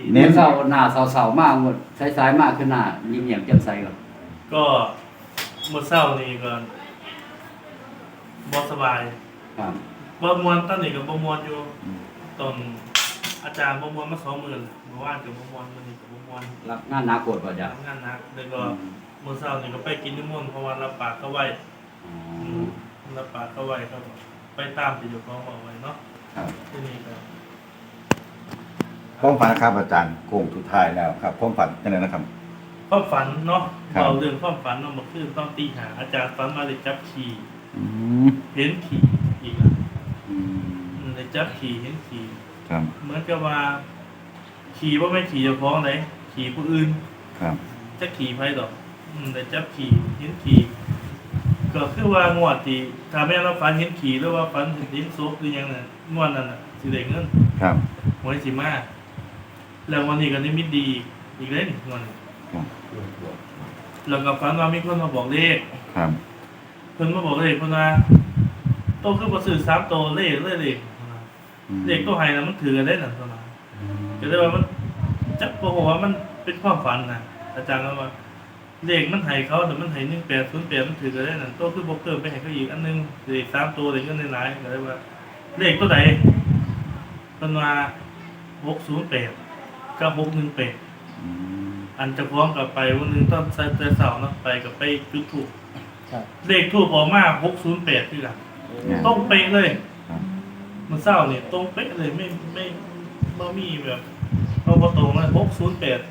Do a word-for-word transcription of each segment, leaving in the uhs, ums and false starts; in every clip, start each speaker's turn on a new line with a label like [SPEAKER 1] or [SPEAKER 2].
[SPEAKER 1] เน้นเศร้าหน้าเศร้าๆมากหมดสายๆมากขึ้นหน้ายิ้มแย้มแจ่มใสก่อน
[SPEAKER 2] ก็เมื่อเศร้านี่ก็บ่สบาย
[SPEAKER 1] ครับ
[SPEAKER 2] บ่มวนตอนนี้ก็บ่มวนอยู่ตอนอาจารย์บ่มวนมาสองหมื่นเมื่อวานก็บ่มวนมื้อนี้ก็บ่มวน
[SPEAKER 1] รับงานหนักกดป่ะจ๊ะ
[SPEAKER 2] ทำงานหนักแล้วก็เมื่อเช้านี่ก็ไปกินนิมนต์เพราะว่ารับปากเขาไว้
[SPEAKER 1] อ๋
[SPEAKER 2] อื
[SPEAKER 1] อ
[SPEAKER 2] มรับปากเขาไว้ครับไปตามที่เจ้าของบอกไว้เนาะ
[SPEAKER 1] ครับ
[SPEAKER 2] ที่นี่ก็
[SPEAKER 3] ความฝันครับอาจารย์โค้งสุดท้ายแล้วครับความฝันยังไงนะครับ
[SPEAKER 2] ความฝันเนาะ
[SPEAKER 3] ครับ
[SPEAKER 2] เราเรื่องความฝันเนาะมันคือต้องตีหาอาจารย์ฝันมาเลยจับขี่
[SPEAKER 3] อืม
[SPEAKER 2] เห็นขี่อีกอ่ะ
[SPEAKER 1] อืม
[SPEAKER 2] อืมเลยจับขี่เห็นขี่
[SPEAKER 3] ครับ
[SPEAKER 2] เหมือนกับว่าขี่ว่าไม่ขี่เจ้าของไหนขี่ผู้อื่น
[SPEAKER 3] ครับ
[SPEAKER 2] จะขี่ไผดอกอืมเลยจับขี่เห็นขี่ก็คือว่างวดที่ถ้าแม่นเราฝันเห็นขี่หรือว่าฝันเห็นศพหรือหยังน่ะงวดนั้นน่ะสิได้เงิน
[SPEAKER 3] ครับ
[SPEAKER 2] หวยสิมาแล้ววันนี้ก็นิมิตดีอีกเล่นงวดนี้
[SPEAKER 3] ครับ
[SPEAKER 2] แล้วก็ฝันว่ามีคนมาบอกเลข
[SPEAKER 3] ครับ
[SPEAKER 2] เพิ่นมาบอกเลขเพิ่นว่าโตคือบ่ซื้อสามโตเลขเลยเลข
[SPEAKER 3] อืม
[SPEAKER 2] เลขโตให้น่ะมันถือกันได้นั่นเท่านั้นก็เลยว่ามันจักบ่ฮู้ว่ามันเป็นความฝันน่ะอาจารย์ก็ว่าเลขมันให้เขาแต่มันให้หนึ่งแปดศูนย์แปดมันถือกันได้นั่นโตคือบ่เพิ่มไปให้เขาอีกอันหนึงเลขสามโตได้เงินหลายๆก็เลยว่า เลขตัวใดเพิ่นว่าหกศูนย์แปดกับหกหนึ่งแปด
[SPEAKER 3] อืม
[SPEAKER 2] อันจะพร้อมกับไปวันหนึงตอนใส่แต่เสาร์เนาะไปกับไปจุดถูก
[SPEAKER 1] ครับ
[SPEAKER 2] เลขทูบออกมาหกศูนย์แปดคือกัน
[SPEAKER 3] เนี่ย
[SPEAKER 2] ตรงเป๊ะเลย
[SPEAKER 3] ครับ
[SPEAKER 2] มันเศร้าเนี่ยตรงเป๊ะเลยไม่ไม่ไม่มีแบบเอาพอตรงเลยหกศูนย์แปด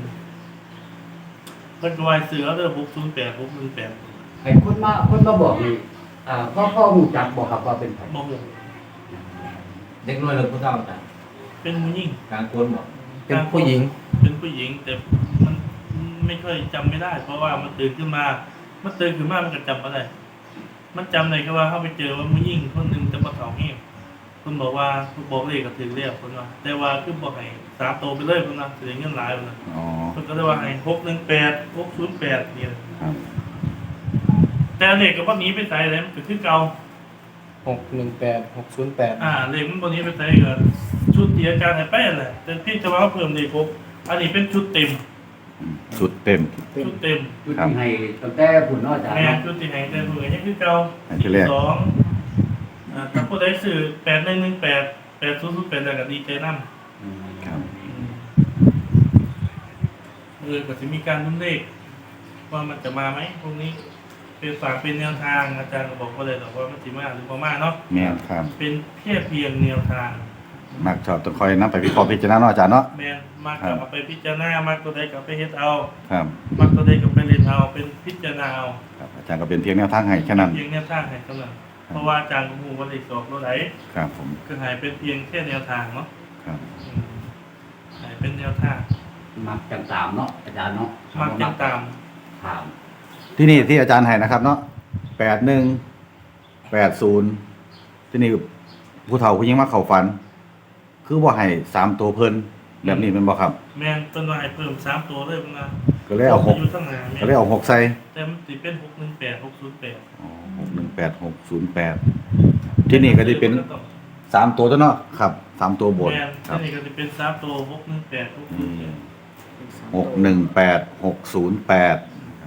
[SPEAKER 2] เป็นวายเสือเลยหกศูนย์แปดหกหนึ่งแปด
[SPEAKER 1] ไอ้คนมาคนมาบอกนี่อ่าพ่อพ่อหูจักบอกครับว่าเป็นไผ
[SPEAKER 2] บอกเลย
[SPEAKER 4] เด็กน้อยหรือผู้เฒ่าจ้ะ
[SPEAKER 2] เป็นผู้หญิง
[SPEAKER 4] กลางคนบอก
[SPEAKER 5] เป็นผู้หญิง
[SPEAKER 2] เป็นผู้หญิงแต่มันไม่ค่อยจำไม่ได้ เพราะว่ามันตื่นขึ้นมา มันตื่นขึ้นมามันก็จำอะไรมันจำได้แค่ว่าเขาไปเจอว่าผู้หญิงคนหนึ่งจะมาเผาเงี้ยคุณบอกว่าคุณบอกเลขก็ถือเรียกคนว่าแต่ว่าคือบอกให้สามโตไปเลยคนนะถือเงินหลายคนนะ
[SPEAKER 3] อ๋อ
[SPEAKER 2] คุณก็เลยว่าให้หกหนึ่งแปดหกศูนย์แปดเนี่ย
[SPEAKER 3] ครับ
[SPEAKER 2] แต่เลขก็บ่หนี้ไปใส่เลยมันก็คือเก่า
[SPEAKER 5] หกหนึ่งแปดหกศูนย์แปด
[SPEAKER 2] อ่าเลขมันบ่หนี้ไปใส่ก็ชุดเตียการให้แป้นแหละแต่พี่จะว่าเพิ่มเลขครบอันนี้เป็นชุดเต็ม
[SPEAKER 3] อืมชุดเต็ม
[SPEAKER 2] ชุดเต็ม
[SPEAKER 1] จุดที่ให้ตั้งแต่ผุนเนาะอาจารย์
[SPEAKER 2] แม่
[SPEAKER 1] เนาะ
[SPEAKER 2] ชุดที่ให้แต่เพิ่นยังคือเก่า
[SPEAKER 3] อันที่แรก
[SPEAKER 2] สองอ่าถ้าผู้ใดซื้อแปดหนึ่งหนึ่งแปดแปดศูนย์ศูนย์แปดแล้วก็ดีใจนำ
[SPEAKER 1] อืม
[SPEAKER 3] ครับ
[SPEAKER 2] เออก็จะมีการลุ้นเลขว่ามันจะมาไหมพวกนี้ เป็นฝากเป็นแนวทางอาจารย์ก็บอกว่าเลยหรอกว่ามันจะมาหรือบ่มาเนาะ
[SPEAKER 3] แม่นครับ
[SPEAKER 2] เป็นแค่เพียงแนวทาง
[SPEAKER 3] มักชอบต้องคอยนำไปวิเคราะห์พิจารณาเนาะอาจารย์เนาะ
[SPEAKER 2] แมนมากกับเอาไปพิจารณามากตัวใดกับไปเฮ็ดเอา
[SPEAKER 3] ครับ
[SPEAKER 2] มากตัวใดกับไปเรียนเอาเป็นพิจารณาเอา
[SPEAKER 3] ครับอาจารย์ก็เป็นเพียงแนวทางให้แค่นั้น
[SPEAKER 2] เพียงแนวทางให้เท่านั้นเพราะว่าอาจารย์ก็รู้ว่าเลขสอบตัวไหน
[SPEAKER 3] ครับผม
[SPEAKER 2] ก็ใหายเป็นเพียงแค่แนวทางเนาะ
[SPEAKER 3] ครับ
[SPEAKER 2] อืมใหายเป็นแนวทาง
[SPEAKER 1] มักจังตามเนาะอาจารย์เนาะ
[SPEAKER 2] มากจังตาม
[SPEAKER 1] ถาม
[SPEAKER 3] ที่นี่ที่อาจารย์ให้นะครับเนาะแปดหนึ่งแปดศูนย์ที่นี่ผู้เฒ่าผู้หญิงมาเข้าฝัน คือว่าให้สามตัวเพิ่นแบบนี้เป็นบ่ครับ
[SPEAKER 2] แม่นต้นว่าให้เพิ่มสามตัวเลยพุ่นนะ
[SPEAKER 3] ก็เลยเอาหก
[SPEAKER 2] อยู่ข้างหน้าแม่
[SPEAKER 3] ก็เลยเอาหกใส่
[SPEAKER 2] แต่มันสิเป็นหกหนึ่งแปดหกศูนย์แปด
[SPEAKER 3] อ๋อหกหนึ่งแปดหกศูนย์แปดที่นี่ก็จะเป็นสามตัวตัวเนาะครับสามตัวบน
[SPEAKER 2] แม่น
[SPEAKER 3] ครับ
[SPEAKER 2] ที่นี่ก็จะเป็นสามตัวหกหนึ่งแปดหกศูนย์แปด
[SPEAKER 3] หกหนึ่งแปดหกศูนย์แปด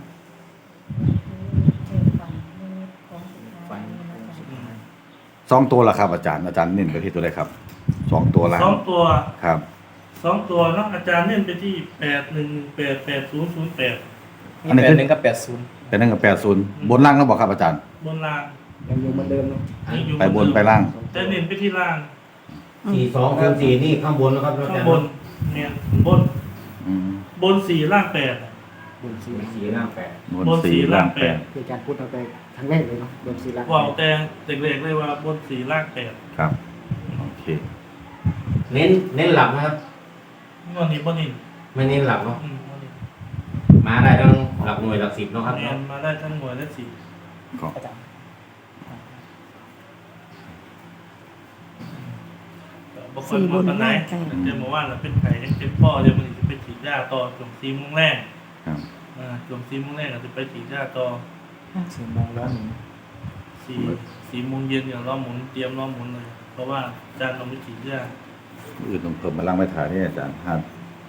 [SPEAKER 3] สองตัวละครับ อาจารย์อาจารย์เน้นไปที่ตัวใดครับสองตัวละ
[SPEAKER 2] สองตัว
[SPEAKER 3] ครับ
[SPEAKER 2] สองตัวเนาะอาจารย์เน้นไปที่แปดหนึ่งแปดแปดศูนย์ศูนย์แปด
[SPEAKER 5] มีแปดหนึ่งกับแปดศูนย์
[SPEAKER 3] เป็นนั่นกับแปดศูนย์บนล่างก็บอกครับอาจารย์
[SPEAKER 2] บนล่าง
[SPEAKER 5] ยังอยู่เหมือนเดิมเนาะ
[SPEAKER 2] ยังอยู่
[SPEAKER 3] ไปบนไปล่าง
[SPEAKER 2] แต่เน้นไปที่ล่าง
[SPEAKER 4] สี่สองคูณสี่นี่ข้างบนนะครับ
[SPEAKER 2] ข้างบนเนี่ยบน
[SPEAKER 3] อืม
[SPEAKER 2] บนสี่ล่างแปด
[SPEAKER 5] บนสี่
[SPEAKER 4] สี่ล่างแปด
[SPEAKER 3] บนสี่ล่างแปด
[SPEAKER 5] คือการพูดตั้งแต่ครั้งแรกเลยเนาะบนสี่ลัก
[SPEAKER 2] ว่าแต่เด็กๆเลยว่าบนสี่ล่างแปด
[SPEAKER 3] ครับโอเค
[SPEAKER 4] เน้นเน้นหลักนะครับ
[SPEAKER 2] งวดนี้บนนี้
[SPEAKER 4] ไม่เน้นหลักเนาะ
[SPEAKER 2] อืมงวดนี้
[SPEAKER 4] มาได้ทั้งหลักหน่วยหลักสิบเนาะครับ
[SPEAKER 2] แม่
[SPEAKER 4] เนาะ
[SPEAKER 2] นมาได้ทั้งหน่วยและสี่
[SPEAKER 3] ก็
[SPEAKER 5] อาจารย์
[SPEAKER 2] บางคนมาปันไหนเจอหมู่ว่านแล้วเป็นไข่ยังเป็นพ่อเดี๋ยวมันจะไปฉีดยาต่อจมซีมุ้งแรง
[SPEAKER 3] ครับ
[SPEAKER 2] อ่าจมซีมุ้งแรงอาจจะไปฉีดยาต่อ
[SPEAKER 5] สี่โมงแล้วหนึ่ง
[SPEAKER 2] สี่สี่โมงเย็นอย่างล้อหมุนเตรียมล้อหมุนเลย เพราะว่าอาจารย์เราไม่ฉีดยา
[SPEAKER 3] อื่นต้องเพิ่มมาล่างไม่ถ่ายนี่อาจารย์ห้า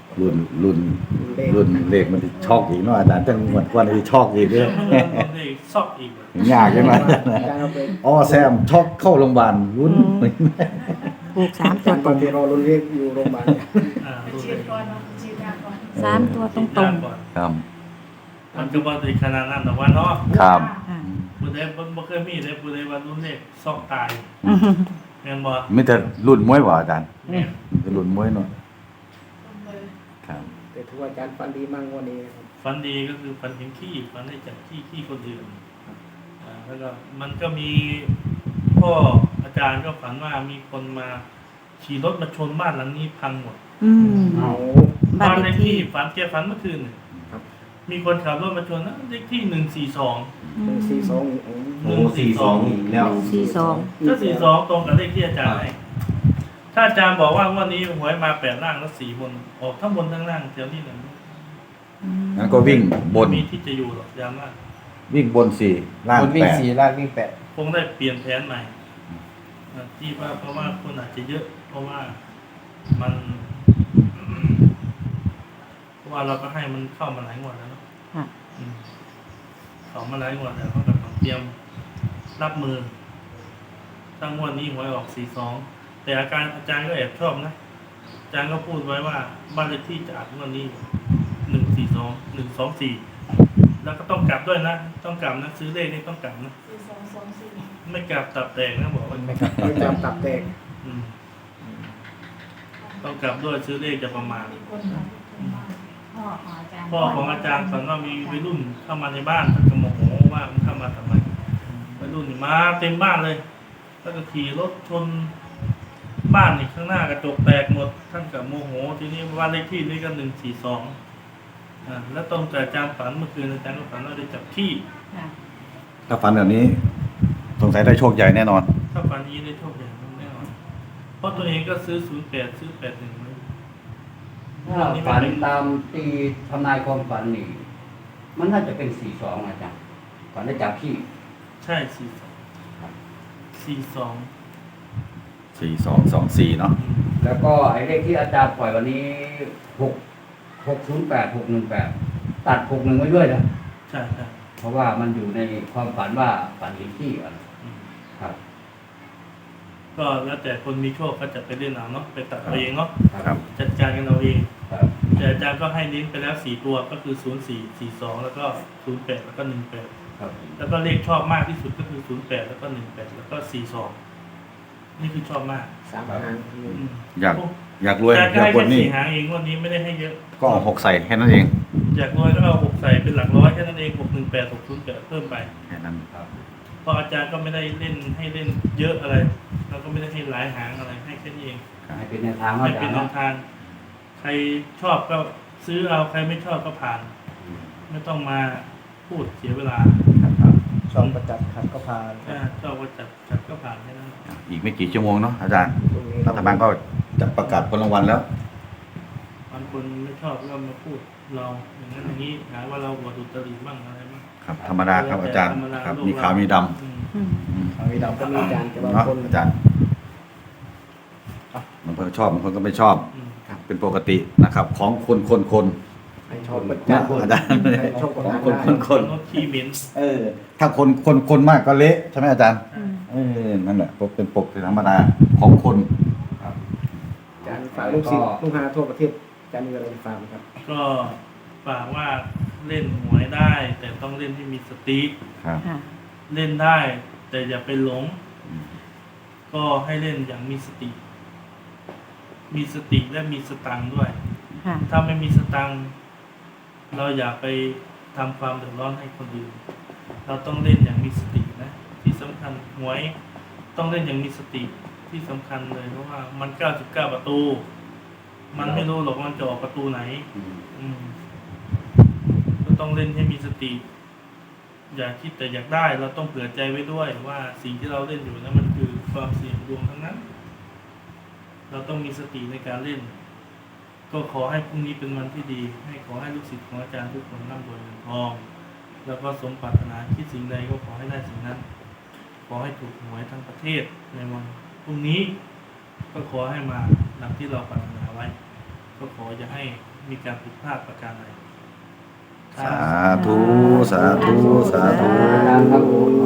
[SPEAKER 3] รุ่นรุ่น
[SPEAKER 5] เลข
[SPEAKER 3] รุ่นเลขมันสิช็อกอีกเนาะอาจารย์จังหวัดกว่าสิช็อกอีกเด้อ
[SPEAKER 2] เด็กซอกอีก
[SPEAKER 3] ยากจัง
[SPEAKER 5] อา
[SPEAKER 3] ว่า
[SPEAKER 5] จารย์เอาไป
[SPEAKER 3] อ๋อแซมช็อกเข้าโรงพยาบาลรุ่น
[SPEAKER 6] ถูกสาม
[SPEAKER 5] อา
[SPEAKER 6] ตั
[SPEAKER 5] จาว รย์
[SPEAKER 6] ต
[SPEAKER 5] ต
[SPEAKER 6] ร
[SPEAKER 5] อน
[SPEAKER 6] ง
[SPEAKER 5] ที่รอรุ่นเลขอยู่โรงพยาบาล
[SPEAKER 2] อ่า
[SPEAKER 7] ไป
[SPEAKER 2] ดู
[SPEAKER 7] ฉี
[SPEAKER 2] เล
[SPEAKER 7] ด
[SPEAKER 2] ย
[SPEAKER 7] ก่อนเนาะฉีดยาก่อน
[SPEAKER 6] สามตัวตรงตรง
[SPEAKER 2] ก่อน
[SPEAKER 3] ครับ
[SPEAKER 2] มันก็บ่ได้ขนาดนั้นแต่ว่าเนาะ
[SPEAKER 3] ครับ
[SPEAKER 6] อ่า
[SPEAKER 2] ผู้ใดบ่บ่เคยมีได้ผู้ใดว่ารุ่นเด็กซอกตายแม่นบ่
[SPEAKER 3] มีแต่รุ่นมวยบ่อาจารย์
[SPEAKER 2] แม่น
[SPEAKER 3] มีแต่รุ่นมวยเนาะ
[SPEAKER 7] ต้องเลย
[SPEAKER 3] ครับ
[SPEAKER 5] แต่ถือว่าอาจารย์ฟันดีมากกว่านี้นะครับ
[SPEAKER 2] ฝันดีก็คือฝันเห็นขี้ฝันได้จากขี้ขี้คนอื่นอ่าแล้วก็มันก็มีพ่ออาจารย์ก็ฝันว่ามีคนมาขี่รถมาชนบ้านหลังนี้พังหมด
[SPEAKER 6] อืม
[SPEAKER 5] เอา
[SPEAKER 6] บ้าน
[SPEAKER 2] บ้าน
[SPEAKER 6] เล
[SPEAKER 2] เล
[SPEAKER 6] ข
[SPEAKER 2] ข
[SPEAKER 6] ที่
[SPEAKER 2] ที่ฝันแกฝันเมื่อคืนน่ะ
[SPEAKER 5] ครับ
[SPEAKER 2] มีคนขับรถมาชนนะเลขที่หนึ่งสี่สอง
[SPEAKER 5] หนึ่งสี่สอง
[SPEAKER 4] โอ้สี่สองอีกแล้ว
[SPEAKER 6] หนึ่งสี่สอง
[SPEAKER 2] ก็สี่สองตรงกับเลขที่อาจารย์ให้ถ้าอาจารย์บอกว่างวันนี้หวยมาแปดล่างแล้วสี่บนออกทั้งบนทั้งล่างเดี๋ยวนี้เนี่ย
[SPEAKER 3] งั้นก็วิ่งบน
[SPEAKER 2] มีที่จะอยู่หรอกย้ำว่า
[SPEAKER 3] วิ่งบนสี่ล่าง
[SPEAKER 5] บนวิ่
[SPEAKER 3] แป
[SPEAKER 5] ง
[SPEAKER 3] ด
[SPEAKER 5] สี่ล่างวิ่งแปด
[SPEAKER 2] คงได้เปลี่ยนแผนใหม่อ่าที่ว่าเพราะว่าคนอาจจะเยอะ เพราะว่ามัน เพราะว่าเราก็ให้มันเข้ามาหลายงวดแล้วเนาะ
[SPEAKER 6] ค่ะ
[SPEAKER 2] อืมเข้ามาหลายงวดแล้วเขาก็ต้องเตรียมรับมือตั้งงวดนี้หวยออกสี่สองแต่อาการอาจารย์ก็แอบชอบนะอาจารย์ก็พูดไว้ว่าบ้านเลขที่จะอัดงวดนี้หนึ่งสี่สองหนึ่งสองสี่แล้วก็ต้องกลับด้วยนะต้องกลับนะซื้อเลขนี่ต้องกลับนะ
[SPEAKER 7] สี่สองสองสี่
[SPEAKER 2] ไม่กลับตับแตกนะบอกว่า
[SPEAKER 5] ไม่ครับไม่จำตับแตก
[SPEAKER 2] อืมต้องกลับด้วยซื้อเลขจะประมาณ
[SPEAKER 7] มีคนมาคนมาพ่อของอาจารย์
[SPEAKER 2] พ่อของอาจารย์ฝันว่ามีวัยรุ่นเข้ามาในบ้านท่านก็โมโหว่ามันเข้ามาทำไมวัยรุ่นนี่มาเต็มบ้านเลยแล้วก็ขี่รถชนบ้านนี่ข้างหน้ากระจกแตกหมดท่านก็โมโหทีนี้บ้านเลขที่นี่ก็หนึ่งสี่สองอ่าแล้วตรงกับอาจารย์ฝันเมื่อคืนอาจารย์ก็ฝันว่าได้จับขี้
[SPEAKER 7] ค่ะ
[SPEAKER 3] ถ้าฝันแบบนี้ สงสัยได้โชคใหญ่แน่นอน
[SPEAKER 2] ถ้าฝันนี้ได้โชคอย่างแน่นอนเพราะตัวเองก็ซื้อศูนย์แปดซื้อแปดหนึ่งไว้
[SPEAKER 1] ถ้าฝันตามตีทำนายความฝันนี่ มันน่าจะเป็นสี่สองอาจารย์ฝันได้จับขี้
[SPEAKER 2] ใช่สี่สองสี่สอง
[SPEAKER 3] สี่สองสองสี่เนาะ
[SPEAKER 1] แล้วก็ไอ้เลขที่อาจารย์ปล่อยวันนี้หกหกศูนย์แปดหกหนึ่งแปดตัดหกหนึ่งไว้ด้วยนะ
[SPEAKER 2] ใช่ใช่
[SPEAKER 1] เพราะว่ามันอยู่ในความฝันว่าฝันเห็นขี้อะ
[SPEAKER 2] อืม
[SPEAKER 1] ครับ
[SPEAKER 2] ก็แล้วแต่คนมีโชคก็จะไปเล่นเอาเนาะไปตัดเอาเองเนาะ
[SPEAKER 3] ครับ
[SPEAKER 2] จัดการกันเอาเอง
[SPEAKER 1] ครับ
[SPEAKER 2] แต่อาจารย์ก็ให้เน้นไปแล้วสี่ตัวก็คือศูนย์สี่สี่สองแล้วก็ศูนย์แปดแล้วก็หนึ่งแปด
[SPEAKER 1] ครับ
[SPEAKER 2] แล้วก็เลขชอบมากที่สุดก็คือศูนย์แปดแล้วก็หนึ่งแปดแล้วก็สี่สองนี่คือชอบมาก
[SPEAKER 5] สามหาง
[SPEAKER 2] อืม
[SPEAKER 3] อยากอยากรวย
[SPEAKER 2] อาจารย์ก็
[SPEAKER 3] อยาก
[SPEAKER 2] ให้
[SPEAKER 3] กว
[SPEAKER 2] แค่
[SPEAKER 3] ดนี่
[SPEAKER 2] สี่หางเองวันนี้ไม่ได้ให้เยอะ
[SPEAKER 3] ก็เอาหกใส่แค่นั้นเอง
[SPEAKER 2] อยากรวยก็เอาหกใส่เป็นหลักร้อยแค่นั้นเองหกหนึ่งแปดหกศูนย์แปดเพิ่มไป
[SPEAKER 3] แค่นั้น
[SPEAKER 1] ครับ
[SPEAKER 2] เพราะอาจารย์ก็ไม่ได้เล่นให้เล่นเยอะอะไรแล้วก็ไม่ได้ให้หลายหางอะไรให้แค่นี้เอง
[SPEAKER 1] ให้เป็นแนวทาง
[SPEAKER 2] ไม่
[SPEAKER 1] อาจา
[SPEAKER 2] เป็
[SPEAKER 1] ร
[SPEAKER 2] น
[SPEAKER 1] ย์
[SPEAKER 2] แน
[SPEAKER 1] เนาะ
[SPEAKER 2] วทาง ใครชอบก็ซื้อเอาใครไม่ชอบก็ผ่าน ไม่ต้องมาพูดเสียเวลา
[SPEAKER 1] ครับ
[SPEAKER 5] ชอบประจับขัดก็พา
[SPEAKER 2] ถ้าชอบก็จัดจัดก็ผ่านแค่นั้น
[SPEAKER 3] อีกไม่กี่ชั่วโมงเนาะอาจารย์
[SPEAKER 5] ตรงนี้
[SPEAKER 3] รัฐบาลก็จะประกาศผลรางวัลแล้ว
[SPEAKER 2] บางคนไม่ชอบก็มาพูดเราอย่างนั้นอย่างนี้หาว่าเราบวดุตรีบ้างอะไรบ้าง
[SPEAKER 3] ครับ ธรรมดาครับอาจารย์
[SPEAKER 2] ธมด
[SPEAKER 3] ครับ
[SPEAKER 2] โลก
[SPEAKER 3] มีขาวมีด
[SPEAKER 2] อืม
[SPEAKER 6] อืม
[SPEAKER 3] ำอืม
[SPEAKER 5] เอาไว้เราก็มีอาจารย์แต่บาง
[SPEAKER 3] เนาะ
[SPEAKER 5] คน
[SPEAKER 3] อาจารย์บางคนก็ชอบบางคนก็ไม่ชอบ
[SPEAKER 2] อืม
[SPEAKER 3] เป็นปกตินะครับ ของคนคนคน
[SPEAKER 5] ให้ชอบประ
[SPEAKER 3] นะ
[SPEAKER 5] จับ
[SPEAKER 3] อาจารย์
[SPEAKER 5] ให้ชอบคน
[SPEAKER 3] ของ
[SPEAKER 5] หาง
[SPEAKER 3] คน
[SPEAKER 5] ได้
[SPEAKER 3] คนคน
[SPEAKER 2] รถขี้เหม็น
[SPEAKER 3] เออ ถ้าคนคนคนมากก็เละใช่ไหมอาจารย์
[SPEAKER 6] อืม
[SPEAKER 3] เออนั่นแหละเป็นปกติธรรมดาของคน
[SPEAKER 1] ครับ
[SPEAKER 5] อาจารย์ฝากลูกศิษย์ลูกหาทั่วประเทศอาจารย์มีอะไรฝากไหมครับ
[SPEAKER 2] ก็ฝากว่าเล่นหวยได้ แต่ต้องเล่นให้มีสติ
[SPEAKER 3] ครับ
[SPEAKER 6] ค่ะ
[SPEAKER 2] เล่นได้ แต่อย่าไปหลง ก็ให้เล่นอย่างมีสติ มีสติและมีสตังค์ด้วย
[SPEAKER 6] ค่ะ
[SPEAKER 2] ถ้าไม่มีสตังค์เราอย่าไปทำความเดือดร้อนให้คนอื่น เราต้องเล่นอย่างมีสตินะ ที่สำคัญหวยต้องเล่นอย่างมีสติที่สำคัญเลยเพราะว่ามันเก้าสิบเก้าประตู มันไม่รู้หรอกมันจะออกประตูไหน
[SPEAKER 1] อืม
[SPEAKER 2] อืมก็ต้องเล่นให้มีสติ อย่าคิดแต่อยากได้ เราต้องเผื่อใจไว้ด้วยว่าสิ่งที่เราเล่นอยู่นั้นมันคือความเสี่ยงดวงทั้งนั้น เราต้องมีสติในการเล่น ก็ขอให้พรุ่งนี้เป็นวันที่ดี ให้ขอให้ลูกศิษย์ของอาจารย์ทุกคนร่ำรวยเงินทอง แล้วก็สมปรารถนาคิดสิ่งใดก็ขอให้ได้สิ่งนั้น ขอให้ถูกหวยทั้งประเทศในวันพรุ่งนี้ ก็ขอให้มาดังที่เราปรารถนาไว้ ก็ขอจะให้มีการผิดพลาดประการใด
[SPEAKER 3] สาธุ สาธุ สาธุ
[SPEAKER 1] อาจารย์ครับ